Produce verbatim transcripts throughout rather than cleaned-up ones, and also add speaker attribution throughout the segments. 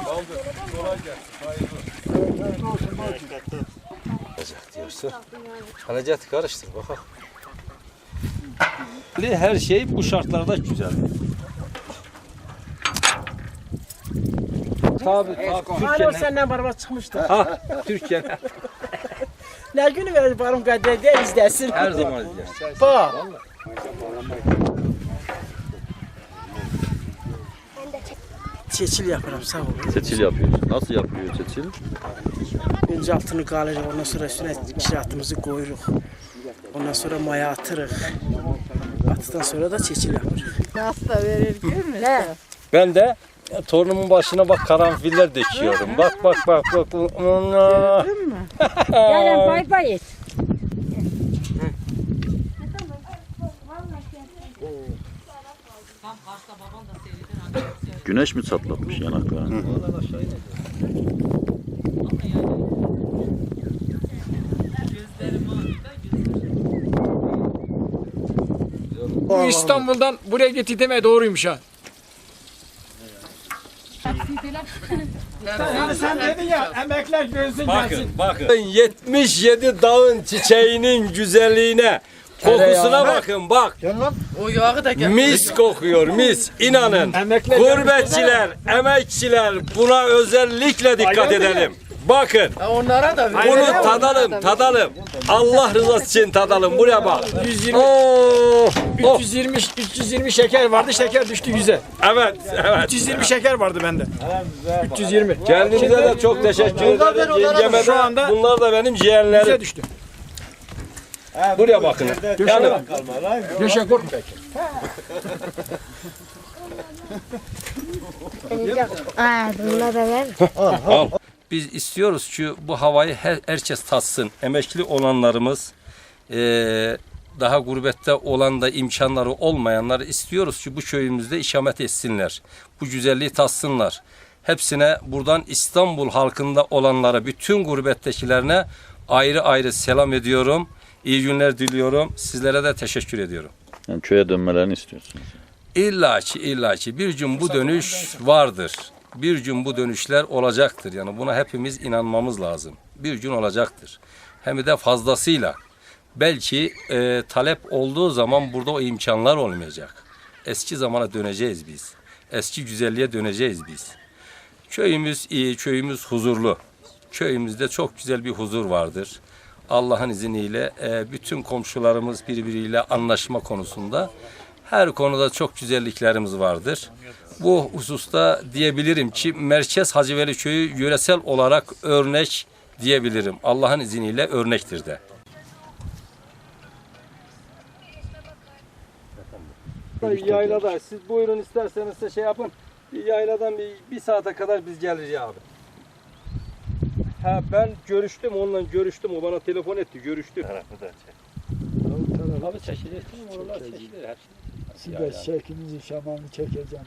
Speaker 1: Kolay gelsin. Alacak diyorsa. Alacak karıştır bakalım. Her şey bu şartlarda güzel. Tabii tabii.
Speaker 2: Hala senden beraber çıkmıştı.
Speaker 1: Ha, Türkiye.
Speaker 2: Ne günü verir barım kadar izlesin.
Speaker 1: Her zaman izler.
Speaker 2: Bak. Çeçil yaparım sağ ol.
Speaker 3: Çeçil yapıyoruz. Nasıl yapıyor çeçil?
Speaker 2: Önce altını kalacak, ondan sonra üstüne kişiratımızı koyuruz. Ondan sonra maya atırıq. Attıktan sonra da çeçil yaparız.
Speaker 4: Nasıl da verir görmüyor
Speaker 1: Ben de ya, torunumun başına bak karanfiller döküyorum. Bak bak bak bak.
Speaker 4: Gördün mü? Gelin bay bay et.
Speaker 3: Güneş mi çatlatmış yanaklarını?
Speaker 5: Bu İstanbul'dan buraya getirmeye doğruymuş ha.
Speaker 2: Sen dedin ya emekler gözün
Speaker 1: Bakın bakın. yetmiş yedi dağın çiçeğinin güzelliğine, kokusuna bakın bak.
Speaker 2: O yağı da
Speaker 1: Mis kokuyor mis. İnanın. Gurbetçiler, emekçiler buna özellikle dikkat edelim. Bakın.
Speaker 2: Onlara da
Speaker 1: Bunu tadalım, tadalım. Allah rızası için tadalım. Buraya bak.
Speaker 5: yüz yirmi,
Speaker 1: Oh, oh.
Speaker 5: üç yüz yirmi, üç yüz yirmi şeker vardı, şeker düştü yüze.
Speaker 1: Evet, evet.
Speaker 5: üç yüz yirmi şeker vardı bende. üç yüz yirmi.
Speaker 1: Kendinize de çok teşekkür ederim. Yengeme
Speaker 5: şu
Speaker 1: de,
Speaker 5: anda
Speaker 1: bunlar da benim
Speaker 5: yüze
Speaker 1: ciğerlerim.
Speaker 5: düştü.
Speaker 1: Buraya bakın. Yani
Speaker 5: Yaşa korkma.
Speaker 4: Aa, bunlar da ver.
Speaker 1: al. Biz istiyoruz ki bu havayı her, herkes tatsın. Emekli olanlarımız, eee, daha gurbette olan da imkanları olmayanlar istiyoruz ki bu köyümüzde ikamet etsinler. Bu güzelliği tatsınlar. Hepsine buradan İstanbul halkında olanlara, bütün gurbettekilerine ayrı ayrı selam ediyorum. İyi günler diliyorum. Sizlere de teşekkür ediyorum.
Speaker 3: Yani köye dönmelerini istiyorsunuz.
Speaker 1: İlla ki illa ki bir gün bu dönüş vardır. Bir gün bu dönüşler olacaktır. Yani buna hepimiz inanmamız lazım. Bir gün olacaktır. Hem de fazlasıyla. Belki e, talep olduğu zaman burada o imkanlar olmayacak. Eski zamana döneceğiz biz. Eski güzelliğe döneceğiz biz. Köyümüz iyi, köyümüz huzurlu. Köyümüzde çok güzel bir huzur vardır. Allah'ın izniyle e, bütün komşularımız birbiriyle anlaşma konusunda her konuda çok güzelliklerimiz vardır. Bu hususta diyebilirim ki Merkez Hacıveli Köyü yöresel olarak örnek diyebilirim. Allah'ın izniyle örnektir de. Yaylada siz buyurun isterseniz de şey yapın. Bir yayladan bir, bir saate kadar biz geliriz abi. Ha ben görüştüm onunla görüştüm. O bana telefon etti. Görüştük. Abi çekilir. Oralar çekilir. Her şey.
Speaker 6: Siz de şeklinizi şamanını çekeceğim.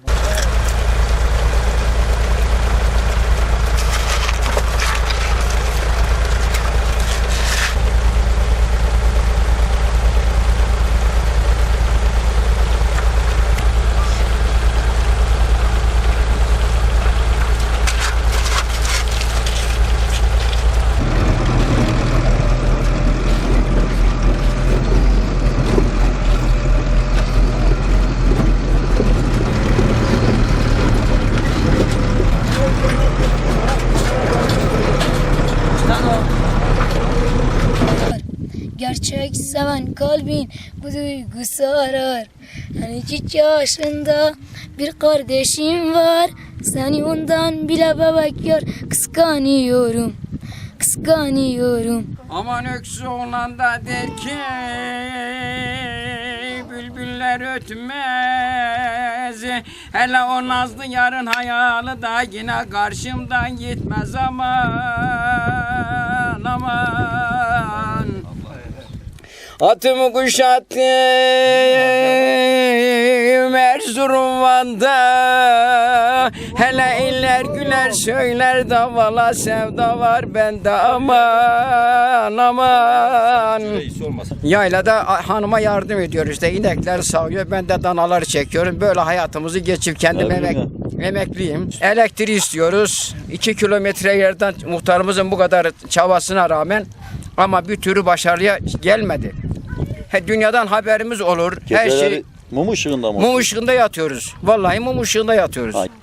Speaker 7: Gerçek seven kalbin bu duygusu arar. Hani iki yaşında bir kardeşim var. Seni ondan bile bebek yor. Kıskanıyorum, kıskanıyorum.
Speaker 5: Aman öksü olan da der ki bülbüller ötmez. Hele o nazlı yarın hayalı da yine karşımdan gitmez aman aman.
Speaker 8: Atımı kuşattım Erzurum Van'da. Hele iller güler söyler davala sevda var bende aman aman. Yaylada hanıma yardım ediyoruz işte inekler sağıyor ben de danaları çekiyorum. Böyle hayatımızı geçip kendim emek, emekliyim. Elektriği istiyoruz. iki kilometre yerden muhtarımızın bu kadar çabasına rağmen ama bir türlü başarıya gelmedi. He, dünyadan haberimiz olur. Her
Speaker 3: Geceleri
Speaker 8: şey
Speaker 3: mum ışığında mı?
Speaker 8: mum ışığında yatıyoruz. Vallahi mum ışığında yatıyoruz.
Speaker 3: Ay.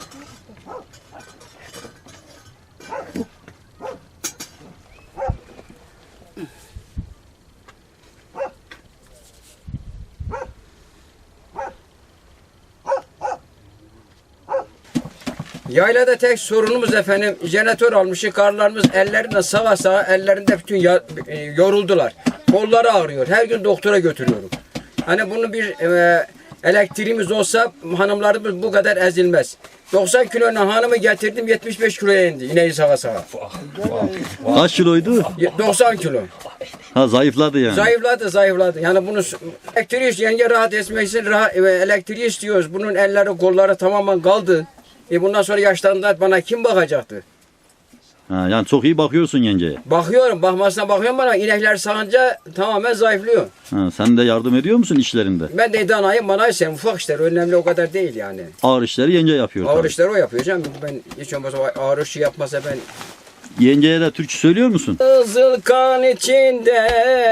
Speaker 8: Yaylada tek sorunumuz efendim jeneratör almışız. Karlarımız ellerinde sağa sağa ellerinde bütün ya- e, yoruldular. Kolları ağrıyor. Her gün doktora götürüyorum. Hani bunun bir e, elektriğimiz olsa hanımlarımız bu kadar ezilmez. doksan kilonun hanımı getirdim yetmiş beş kiloya indi. İneği sağa sağa.
Speaker 3: Kaç kiloydu?
Speaker 8: Ye- doksan kilo.
Speaker 3: Ha zayıfladı yani.
Speaker 8: Zayıfladı zayıfladı. Yani bunu s- elektriği yenge rahat etmek için rahat, e, elektriği istiyoruz. Bunun elleri kolları tamamen kaldı. E bundan sonra yaşlandığında bana kim bakacaktı?
Speaker 3: Ha, yani çok iyi bakıyorsun yengeye.
Speaker 8: Bakıyorum, bakmasına bakıyorum bana inekler sağınca tamamen zayıflıyor.
Speaker 3: Ha, sen de yardım ediyor musun işlerinde?
Speaker 8: Ben de danayım, manayım sen ufak işler önemli o kadar değil yani.
Speaker 3: Ağır işleri yenge yapıyor
Speaker 8: Ağır
Speaker 3: tabii.
Speaker 8: işleri o yapıyor canım. Ben hiç olmazsa o ağır işi yapmasa ben.
Speaker 3: Yengeye de türkü söylüyor musun?
Speaker 8: Kızıl kan içinde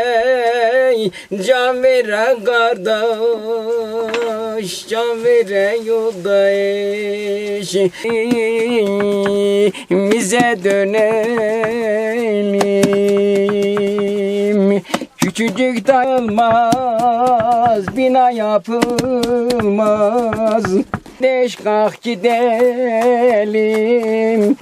Speaker 8: can veren kardeş, can veren yoldaş. Bize dönelim. Küçücük dayılmaz, bina yapılmaz. Beş kalk gidelim.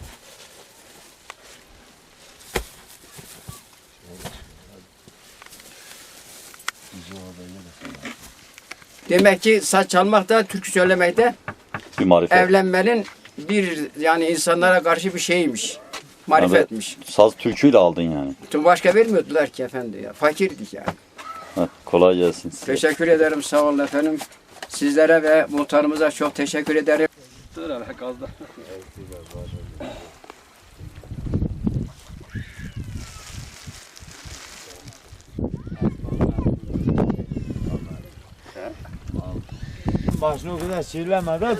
Speaker 8: Demek ki saç çalmak da türkü söylemek de
Speaker 3: Bir marifet.
Speaker 8: evlenmenin bir yani insanlara karşı bir şeymiş. Marifetmiş.
Speaker 3: Evet, saz türküyle aldın yani.
Speaker 8: Tüm başka vermiyordular ki efendi ya. Fakirdik yani.
Speaker 3: Ha, kolay gelsin size.
Speaker 8: Teşekkür ederim sağ olun efendim. Sizlere ve muhtarımıza çok teşekkür ederim.
Speaker 6: Başını o kadar çiğleme de.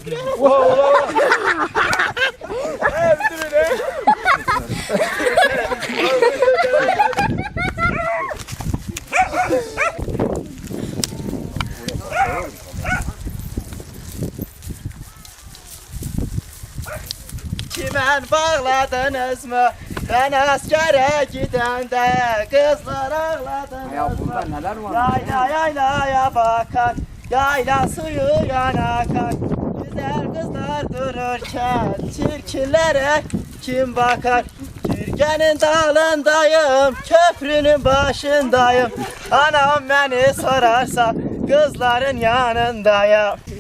Speaker 9: Kimen bağladınız mı? Ben askere gidende kızlar ağladınız mı?
Speaker 8: Neler var?
Speaker 9: Yayla yaylaya bakan, yayla suyu yana akan. Güzel kızlar dururken çirkinlere kim bakar? Türkiye'nin dalındayım, köprünün başındayım. Anam beni sorarsa kızların yanındayım.